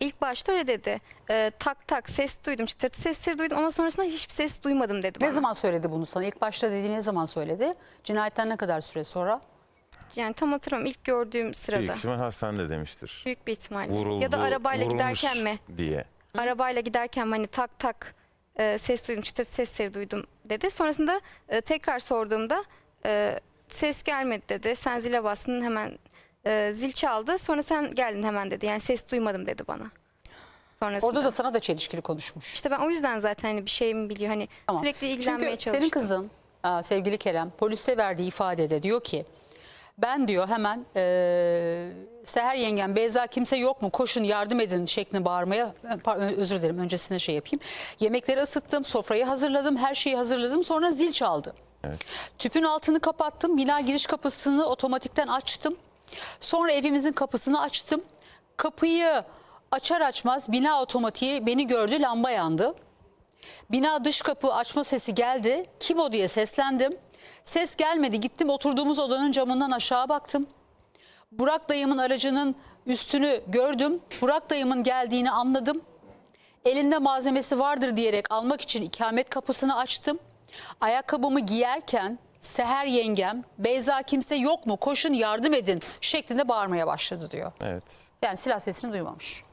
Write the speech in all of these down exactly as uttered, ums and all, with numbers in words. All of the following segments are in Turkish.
İlk başta öyle dedi. Ee, tak tak ses duydum, çıtırtı sesleri duydum ama sonrasında hiçbir ses duymadım dedi bana. Ne zaman söyledi bunu sana? İlk başta dediği ne zaman söyledi? Cinayetten ne kadar süre sonra? Yani tam hatırlamıyorum, ilk gördüğüm sırada. Büyük ihtimal hastanede demiştir. Büyük bir ihtimalle. Vuruldu, Ya da arabayla vurulmuş giderken mi? diye. Arabayla giderken mi hani tak tak e, ses duydum, çıtırtı sesleri duydum dedi. Sonrasında e, tekrar sorduğumda e, ses gelmedi dedi. Sen zile bastın, hemen e, zil çaldı. Sonra sen geldin hemen dedi. Yani ses duymadım dedi bana. Sonrasında. Orada da sana da çelişkili konuşmuş. İşte ben o yüzden zaten hani bir şey mi biliyor, hani Tamam. sürekli ilgilenmeye Çünkü çalıştım. senin kızın aa, sevgili Kerem polise verdiği ifadede diyor ki ben diyor hemen e, Seher yengem Beyza kimse yok mu koşun yardım edin şeklinde bağırmaya, pardon, özür dilerim öncesinde şey yapayım. Yemekleri ısıttım, sofrayı hazırladım, her şeyi hazırladım, sonra zil çaldı. Evet. Tüpün altını kapattım, bina giriş kapısını otomatikten açtım. Sonra evimizin kapısını açtım. Kapıyı açar açmaz bina otomatiği beni gördü, lamba yandı. Bina dış kapı açma sesi geldi. Kim o diye seslendim. Ses gelmedi. Gittim oturduğumuz odanın camından aşağı baktım. Burak dayımın aracının üstünü gördüm. Burak dayımın geldiğini anladım. Elinde malzemesi vardır diyerek almak için ikamet kapısını açtım. Ayakkabımı giyerken Seher yengem Beyza kimse yok mu koşun yardım edin şeklinde bağırmaya başladı diyor. Evet. Yani silah sesini duymamış.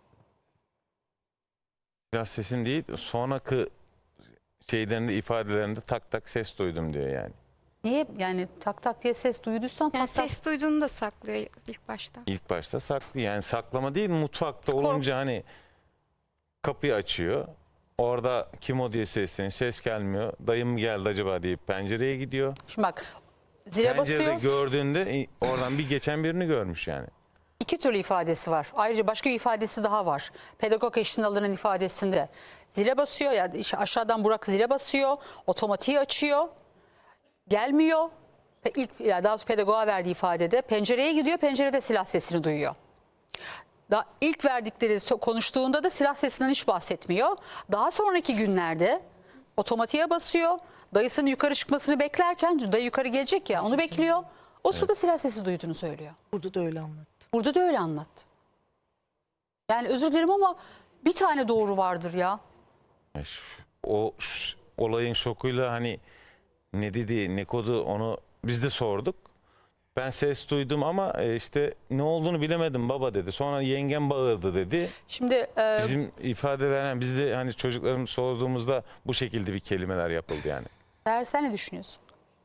Biraz sesin değil, sonraki şeylerinde, ifadelerinde tak tak ses duydum diyor yani. Niye yani tak tak diye ses duyduysan Yani tak tak. ses duyduğunu da saklıyor ilk başta. İlk başta saklı, yani saklama değil, mutfakta olunca hani kapıyı açıyor. Orada kim o diye sesleniyor, ses gelmiyor. Dayım mı geldi acaba deyip pencereye gidiyor. Şimdi bak zile Pencerede basıyor. gördüğünde oradan bir geçen birini görmüş yani. İki türlü ifadesi var. Ayrıca başka bir ifadesi daha var. Pedagog eşliğinde alınan ifadesinde zile basıyor. Yani aşağıdan Burak zile basıyor. Otomatiği açıyor. Gelmiyor. İlk, yani daha sonra pedagoğa verdiği ifadede pencereye gidiyor. Pencerede silah sesini duyuyor. Daha ilk verdikleri konuştuğunda da silah sesinden hiç bahsetmiyor. Daha sonraki günlerde otomatiğe basıyor. Dayısının yukarı çıkmasını beklerken dayı yukarı gelecek ya onu bekliyor. O sırada silah sesi duyduğunu söylüyor. Burada da öyle anlattı. Burada da öyle anlattı. Yani özür dilerim ama bir tane doğru vardır ya. Ya şu- O ş- olayın şokuyla hani ne dedi, ne kodu onu biz de sorduk. Ben ses duydum ama e, işte ne olduğunu bilemedim baba dedi. Sonra yengem bağırdı dedi. Şimdi e, Bizim ifadeler yani biz de hani çocuklarımız sorduğumuzda bu şekilde bir kelimeler yapıldı yani. Seher sen ne düşünüyorsun?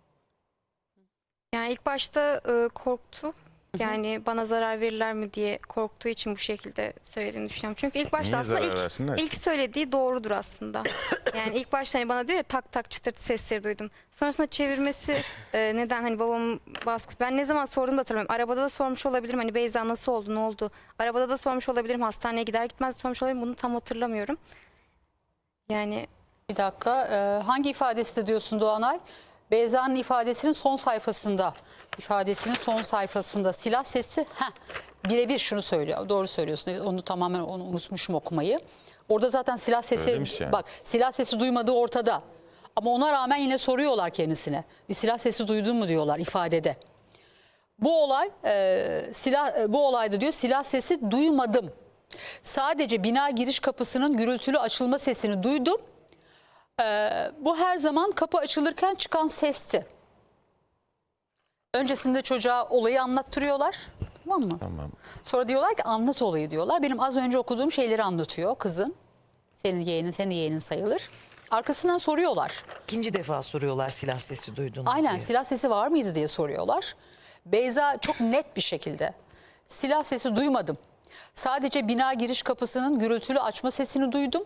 Yani ilk başta e, korktu. Yani bana zarar verirler mi diye korktuğu için bu şekilde söylediğini düşünüyorum. Çünkü ilk başta Niye aslında zarar ilk, versinler? ilk söylediği doğrudur aslında. Yani ilk başta hani bana diyor ya tak tak çıtırtı sesleri duydum. Sonrasında çevirmesi e, neden hani babamın baskısı. Ben ne zaman sordum da hatırlamıyorum. Arabada da sormuş olabilirim hani Beyza nasıl oldu, ne oldu? Arabada da sormuş olabilirim, hastaneye gider gitmez sormuş olabilirim. Bunu tam hatırlamıyorum. Yani Bir dakika e, hangi ifadesi diyorsun Doğanay? Beyza'nın ifadesinin son sayfasında, ifadesinin son sayfasında silah sesi, heh, birebir şunu söylüyor. Doğru söylüyorsun. Evet, onu tamamen onu unutmuşum okumayı. Orada zaten silah sesi, Öyleymiş yani. bak silah sesi duymadığı ortada. Ama ona rağmen yine soruyorlar kendisine. Bir silah sesi duydun mu diyorlar ifadede. Bu olay, e, silah e, bu olayda diyor silah sesi duymadım. Sadece bina giriş kapısının gürültülü açılma sesini duydum. Ee, bu her zaman kapı açılırken çıkan sesti. Öncesinde çocuğa olayı anlattırıyorlar. Tamam mı? Tamam. Sonra diyorlar ki anlat olayı diyorlar. Benim az önce okuduğum şeyleri anlatıyor kızın. Senin yeğenin, senin yeğenin sayılır. Arkasından soruyorlar. İkinci defa soruyorlar silah sesi duydun mu Aynen diye. silah sesi var mıydı diye soruyorlar. Beyza çok net bir şekilde silah sesi duymadım. Sadece bina giriş kapısının gürültülü açma sesini duydum.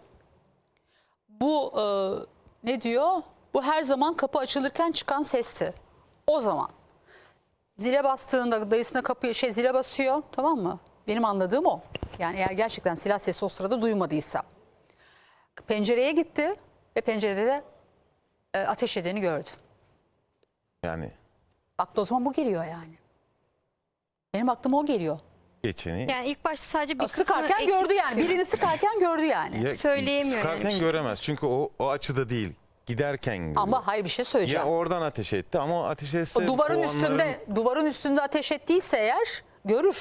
Bu e, ne diyor? Bu her zaman kapı açılırken çıkan sesti. O zaman zile bastığında dayısına kapıyı şey zile basıyor, tamam mı? Benim anladığım o. Yani eğer gerçekten silah sesi o sırada duymadıysa. Pencereye gitti ve pencerede de e, ateş edeni gördü. Yani Aklı o zaman bu geliyor yani. Benim aklıma o geliyor. geçeni yani ilk başta sadece bir kısmını Sıkarken eksik gördü yani. tutuyor. Birini sıkarken gördü yani. ya, söyleyemiyor sıkarken yani bir şey. göremez çünkü o, o açıda değil. Giderken görüyor. Ama hayır bir şey söyleyeceğim. Ya oradan ateş etti ama o ateş etse O duvarın kovanların- üstünde duvarın üstünde ateş ettiyse eğer görür.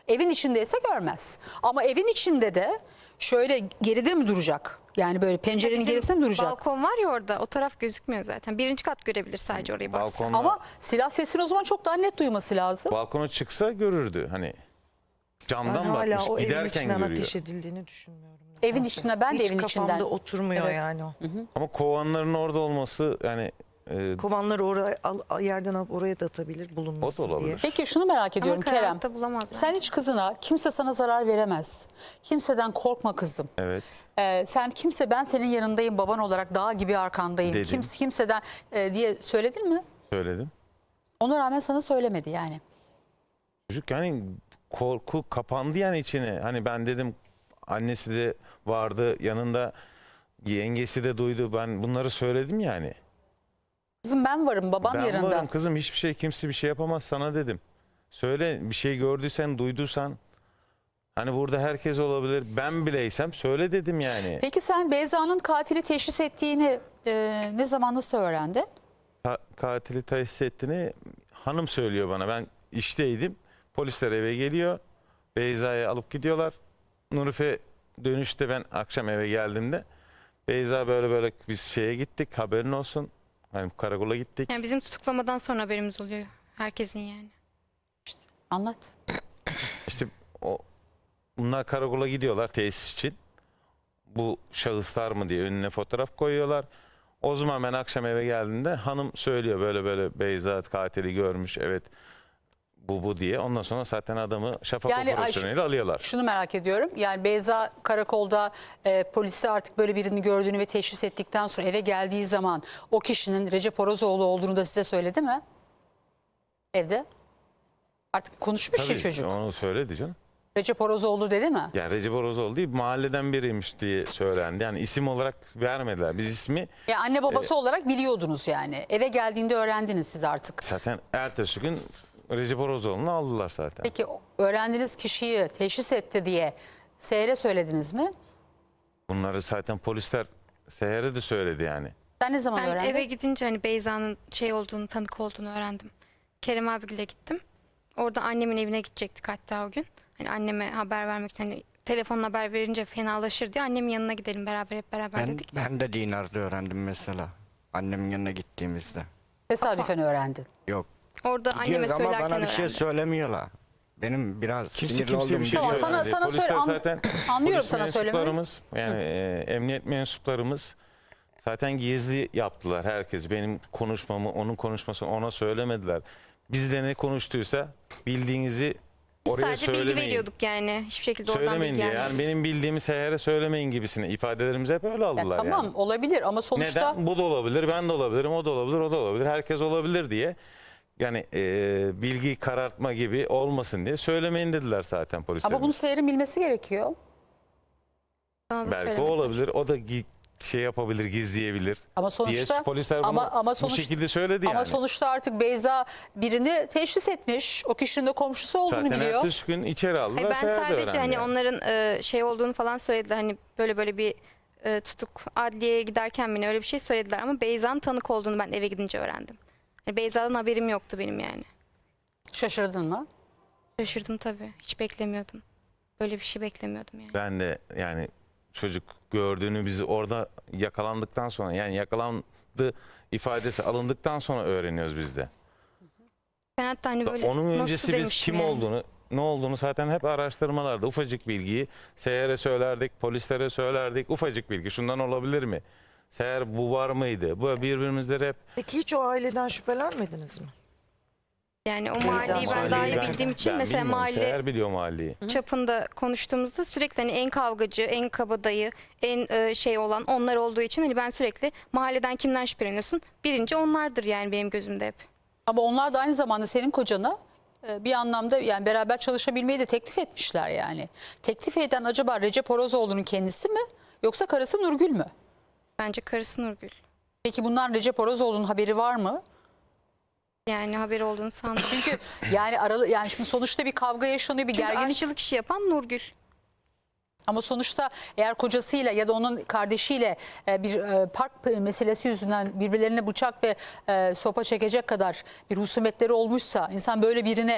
Evin içindeyse görmez. Ama evin içinde de şöyle geride mi duracak? Yani böyle pencerenin Bizim gerisinde mi duracak? balkon var ya orada, o taraf gözükmüyor zaten. Birinci kat görebilir sadece orayı baksa. Balkonda, Ama silah sesini o zaman çok daha net duyması lazım. balkona çıksa görürdü. Hani Ben camdan hala bakmış o evin giderken içinden görüyor. ateş edildiğini düşünmüyorum. Evin Nedense. içinde, ben de Hiç evin içinden. kafamda oturmuyor Evet. yani o. Ama kovanların orada olması yani e, Kovanları oraya al, yerden alıp oraya da atabilir o da bulunmasın diye. olabilir. Peki şunu merak ediyorum Ama Kerem. karanlıkta bulamazlar. Sen hiç kızına kimse sana zarar veremez. Kimseden korkma kızım. Evet. Ee, sen kimse ben senin yanındayım baban olarak dağ gibi arkandayım. Dedim. Kimse kimseden e, diye söyledin mi? Söyledim. Ona rağmen sana söylemedi yani. Çocuk yani korku kapandı yani içine. Hani ben dedim annesi de vardı yanında, yengesi de duydu. Ben bunları söyledim yani. Kızım ben varım baban Ben yanında. varım kızım, hiçbir şey kimse bir şey yapamaz sana dedim. Söyle, bir şey gördüysen, duyduysan. Hani burada herkes olabilir. Ben bileysem söyle dedim yani. Peki sen Beyza'nın katili teşhis ettiğini e, ne zaman nasıl öğrendin? Ka- katili teşhis ettiğini hanım söylüyor bana. Ben işteydim. Polisler eve geliyor. Beyza'yı alıp gidiyorlar. Nurife dönüşte, ben akşam eve geldiğimde Beyza böyle böyle biz şeye gittik, haberin olsun. Hani karakola gittik. Yani bizim tutuklamadan sonra haberimiz oluyor. Herkesin yani. Anlat. İşte o bunlar karakola gidiyorlar tesis için. Bu şahıslar mı diye önüne fotoğraf koyuyorlar. O zaman ben akşam eve geldiğimde hanım söylüyor böyle böyle Beyza katili görmüş, evet bu bu diye. Ondan sonra zaten adamı şafak Yani operasyonuyla alıyorlar. Şunu merak ediyorum. Yani Beyza karakolda e, polisi artık böyle birini gördüğünü ve teşhis ettikten sonra eve geldiği zaman o kişinin Recep Orozoğlu olduğunu da size söyledi mi? Evde. Artık konuşmuş ya Tabii çocuk. onu söyledi canım. Recep Orozoğlu dedi mi? Yani Recep Orozoğlu değil, mahalleden biriymiş diye söylendi. Yani isim olarak vermediler. Biz ismi Ya anne babası olarak biliyordunuz yani. Eve geldiğinde öğrendiniz siz artık. zaten ertesi gün Recep Orozoğlu'nu aldılar zaten. Peki öğrendiğiniz kişiyi teşhis etti diye Seher'e söylediniz mi? Bunları zaten polisler Seher'e de söyledi yani. Sen ne zaman Ben öğrendin? eve gidince hani Beyza'nın şey olduğunu, tanık olduğunu öğrendim. Kerem abiyle gittim. Orada annemin evine gidecektik hatta o gün. Hani anneme haber vermek için, hani telefonla haber verince fenalaşır diye annemin yanına gidelim beraber, hep beraber Ben, dedik. ben de Dinar'da öğrendim mesela. Annemin yanına gittiğimizde. Tesadüfen öğrendin. Yok. Orada anneme Gidiyoruz ama söylerken bana bir şey öğrendim. söylemiyorlar. Benim biraz Kimse sinirli kimseye olduğum bir şey Tamam, bir sana- söylemedi. sana Polisler söyle- an- zaten anlıyorum polis sana söylemeyi. mensuplarımız, yani e, emniyet mensuplarımız zaten gizli yaptılar herkes. Benim konuşmamı, onun konuşmasını ona söylemediler. Bizle ne konuştuysa bildiğinizi Biz oraya sadece bilgi söylemeyin. veriyorduk yani. Hiçbir şekilde oradan Söylemeyin bilgi diye. gelmedi. Yani benim bildiğimi Seher'e söylemeyin gibisine ifadelerimizi hep öyle Ya aldılar tamam yani. olabilir ama sonuçta Neden? Bu da olabilir, ben de olabilirim, o da olabilir, o da olabilir, herkes olabilir diye. Yani e, bilgi karartma gibi olmasın diye söylemeyin dediler zaten polisler. ama bunu Seher'in bilmesi gerekiyor. Bana da Belki o söylemedi. olabilir, o da gi- şey yapabilir, gizleyebilir Ama diye sonuçta polisler bunu ama ama bu sonuç, şekilde söyledi ama yani. sonuçta artık Beyza birini teşhis etmiş. O kişinin de komşusu olduğunu Zaten biliyor. ertesi gün içeri aldılar. Hayır, ben Seher de sadece öğrendi hani yani. onların e, şey olduğunu falan söylediler. Hani böyle böyle bir e, tutuk adliyeye giderken bile öyle bir şey söylediler. Ama Beyza'nın tanık olduğunu ben eve gidince öğrendim. Yani Beyza'dan haberim yoktu benim yani. Şaşırdın mı? Şaşırdım tabii. Hiç beklemiyordum. Böyle bir şey beklemiyordum yani. Ben de yani çocuk gördüğünü bizi orada yakalandıktan sonra, yani yakalandı ifadesi alındıktan sonra öğreniyoruz biz de. Ben hatta hani böyle Onun nasıl öncesi biz demişim kim yani. olduğunu, ne olduğunu zaten hep araştırmalarda ufacık bilgiyi Seher'e söylerdik, polislere söylerdik. Ufacık bilgi, şundan olabilir mi? Seher bu var mıydı? Bu birbirimizle hep Peki hiç o aileden şüphelenmediniz mi? Yani o Beyza mahalleyi ben daha iyi ben- bildiğim için ben mesela bilmiyorum. mahalle Seher biliyor mahalleyi. çapında konuştuğumuzda sürekli hani en kavgacı, en kabadayı, en e, şey olan onlar olduğu için hani ben sürekli mahalleden kimden şüpheleniyorsun? Birinci onlardır yani benim gözümde hep. Ama onlar da aynı zamanda senin kocana e, bir anlamda yani beraber çalışabilmeyi de teklif etmişler yani. Teklif eden acaba Recep Orozoğlu'nun kendisi mi yoksa karısı Nurgül mü? Bence karısı Nurgül. Peki bunlar Recep Orozoğlu'nun haberi var mı? Yani haberi olduğunu sandım. Çünkü yani aralı yani şimdi sonuçta bir kavga yaşanıyor, bir Çünkü gerginlik. aşçılık işi yapan Nurgül. Ama sonuçta eğer kocasıyla ya da onun kardeşiyle e, bir e, park meselesi yüzünden birbirlerine bıçak ve e, sopa çekecek kadar bir husumetleri olmuşsa insan böyle birine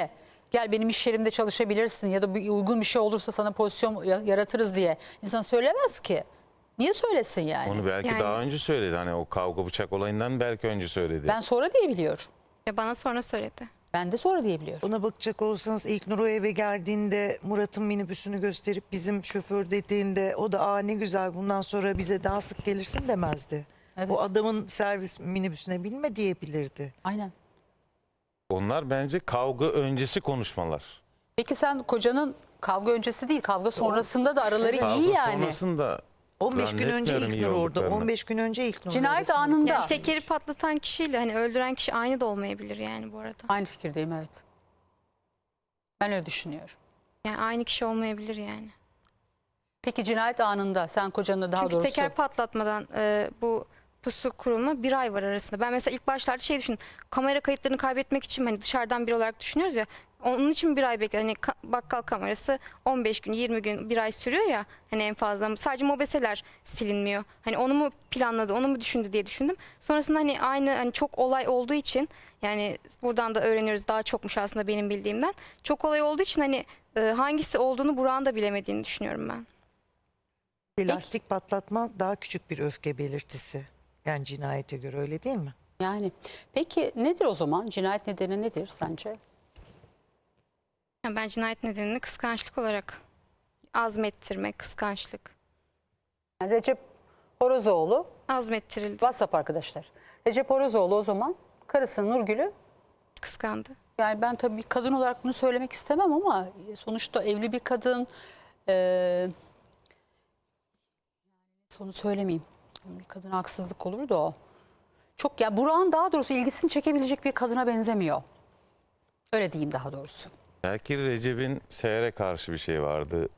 gel benim iş yerimde çalışabilirsin ya da bir uygun bir şey olursa sana pozisyon ya- yaratırız diye insan söylemez ki. Niye söylesin yani? Onu belki Yani- daha önce söyledi. Hani o kavga bıçak olayından belki önce söyledi. Ben sonra diye biliyorum. Ya bana sonra söyledi. Ben de sonra diye biliyorum. Ona bakacak olsanız ilk Nur o eve geldiğinde Murat'ın minibüsünü gösterip bizim şoför dediğinde o da aa ne güzel bundan sonra bize daha sık gelirsin demezdi. Evet. O adamın servis minibüsüne binme diyebilirdi. Aynen. Onlar bence kavga öncesi konuşmalar. Peki sen kocanın kavga öncesi değil kavga sonrasında da araları Kavga iyi yani. sonrasında on beş gün önce zannetmiyorum ilk iyi Nur orada. olduklarını. on beş gün önce ilk Nur. Cinayet arasında. anında. Yani tekeri patlatan kişiyle hani öldüren kişi aynı da olmayabilir yani bu arada. Aynı fikirdeyim, evet. Ben öyle düşünüyorum. Yani aynı kişi olmayabilir yani. Peki cinayet anında sen kocanla daha Çünkü doğrusu teker patlatmadan e, bu pusu kurulma bir ay var arasında. Ben mesela ilk başlarda şey düşündüm. Kamera kayıtlarını kaybetmek için hani dışarıdan biri olarak düşünüyoruz ya. Onun için bir ay bekledim. Hani ka- bakkal kamerası on beş gün, yirmi gün, bir ay sürüyor ya. Hani en fazla. Sadece mobeseler silinmiyor. Hani onu mu planladı, onu mu düşündü diye düşündüm. Sonrasında hani aynı hani çok olay olduğu için yani buradan da öğreniyoruz daha çokmuş aslında benim bildiğimden. Çok olay olduğu için hani e, hangisi olduğunu Burak'ın da bilemediğini düşünüyorum ben. Lastik patlatma daha küçük bir öfke belirtisi. Yani cinayete göre öyle değil mi? yani. Peki nedir o zaman? Cinayet nedeni nedir sence? Yani ben cinayet nedenini kıskançlık olarak azmettirmek, kıskançlık. Yani Recep Horozoğlu Azmettirildi, WhatsApp arkadaşlar. Recep Horozoğlu o zaman karısı Nurgül'ü, kıskandı. yani ben tabii bir kadın olarak bunu söylemek istemem ama sonuçta evli bir kadın, eee onu söylemeyeyim. Bir kadına haksızlık olur da o. Çok ya Burak'ın daha doğrusu ilgisini çekebilecek bir kadına benzemiyor. Öyle diyeyim daha doğrusu. Belki Recep'in Seher'e karşı bir şey vardı.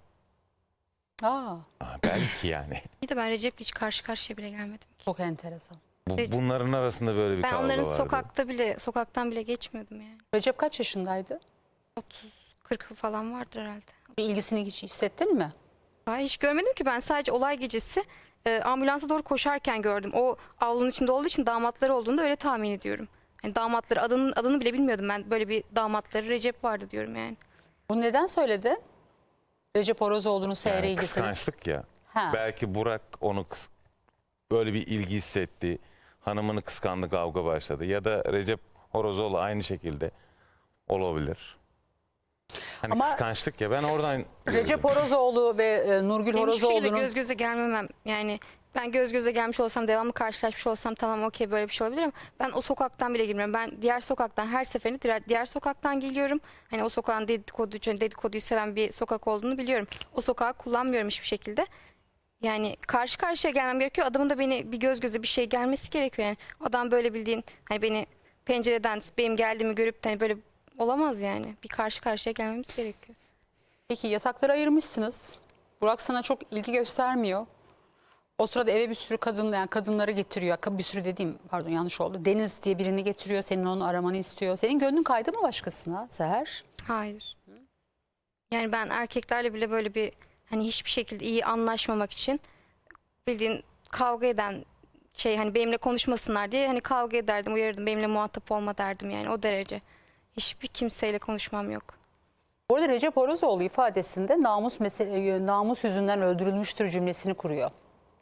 Aa, Ha, belki yani. Bir de ben Recep'le hiç karşı karşıya bile gelmedim. çok enteresan. Bu, Recep- bunların arasında böyle bir Ben kavga onların vardı. sokakta bile, sokaktan bile geçmiyordum yani. Recep kaç yaşındaydı? otuz kırk falan vardır herhalde. Bir ilgisini hiç hissettin mi? Hayır, hiç görmedim ki ben sadece olay gecesi e, ambulansa doğru koşarken gördüm. O avlunun içinde olduğu için damatları olduğunu öyle tahmin ediyorum. Yani damatları adının adını bile bilmiyordum ben. Böyle bir damatları Recep vardı diyorum yani. Bunu neden söyledi? Recep Horozoğlu'nun seyre Yani ilgisini. kıskançlık ya. Ha. Belki Burak onu kıs- böyle bir ilgi hissetti. Hanımını kıskandı, kavga başladı. Ya da Recep Horozoğlu aynı şekilde olabilir. Hani Ama- kıskançlık ya, ben oradan Recep gördüm. Horozoğlu ve e, Nurgül Benim hiçbir şekilde Horozoğlu'nun göz göze gelmemem. Yani ben göz göze gelmiş olsam, devamlı karşılaşmış olsam tamam okey böyle bir şey olabilir ama ben o sokaktan bile girmiyorum. Ben diğer sokaktan her seferinde diğer, diğer sokaktan geliyorum. Hani o sokağın dedikodu, dedikoduyu seven bir sokak olduğunu biliyorum. O sokağı kullanmıyorum hiçbir şekilde. Yani karşı karşıya gelmem gerekiyor. Adamın da beni bir göz göze bir şey gelmesi gerekiyor. Yani adam böyle bildiğin hani beni pencereden benim geldiğimi görüp de hani böyle olamaz yani. Bir karşı karşıya gelmemiz gerekiyor. Peki yatakları ayırmışsınız. Burak sana çok ilgi göstermiyor. O sırada eve bir sürü kadın, yani kadınları getiriyor. Bir sürü dediğim pardon yanlış oldu. Deniz diye birini getiriyor. Senin onu aramanı istiyor. Senin gönlün kaydı mı başkasına Seher? Hayır. Yani ben erkeklerle bile böyle bir hani hiçbir şekilde iyi anlaşmamak için bildiğin kavga eden şey hani benimle konuşmasınlar diye hani kavga ederdim, uyarırdım. Benimle muhatap olma derdim yani o derece. Hiçbir kimseyle konuşmam yok. Bu arada Recep Horozoğlu ifadesinde namus mesele, namus yüzünden öldürülmüştür cümlesini kuruyor.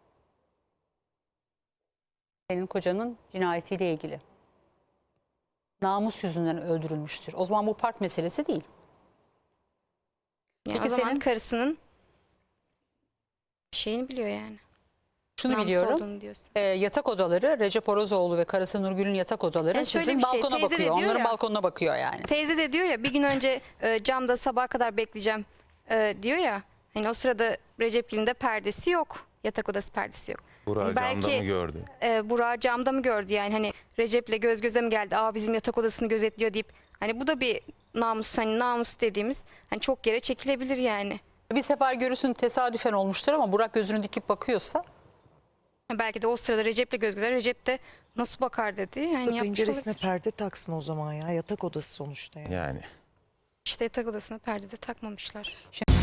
Senin kocanın cinayetiyle ilgili. Namus yüzünden öldürülmüştür. O zaman bu park meselesi değil. Yani Peki o zaman senin- karısının şeyini biliyor yani. Şunu Namus biliyorum. olduğunu diyorsun. E, yatak odaları Recep Horozoğlu ve karısı Nurgül'ün yatak odaları Yani şöyle sizin bir şey, balkona teyze de bakıyor. diyor Onların ya- balkonuna bakıyor yani. Teyze de diyor ya bir gün önce e, camda sabaha kadar bekleyeceğim e, diyor ya. Hani o sırada Recep'in de perdesi yok. Yatak odası perdesi yok. Burak belki- camda mı gördü? e, Burak'ı camda mı gördü yani hani Recep'le göz göze mi geldi, aa bizim yatak odasını gözetliyor deyip hani bu da bir namus, hani namus dediğimiz hani çok yere çekilebilir yani. Bir sefer görürsün tesadüfen olmuştur ama Burak gözünü dikip bakıyorsa Belki de o sırada Recep'le göz göze, Recep de nasıl bakar dedi yani yapmış Penceresine olabilir. perde taksın o zaman ya. Yatak odası sonuçta yani. Yani. İşte yatak odasına perde de takmamışlar. şimdi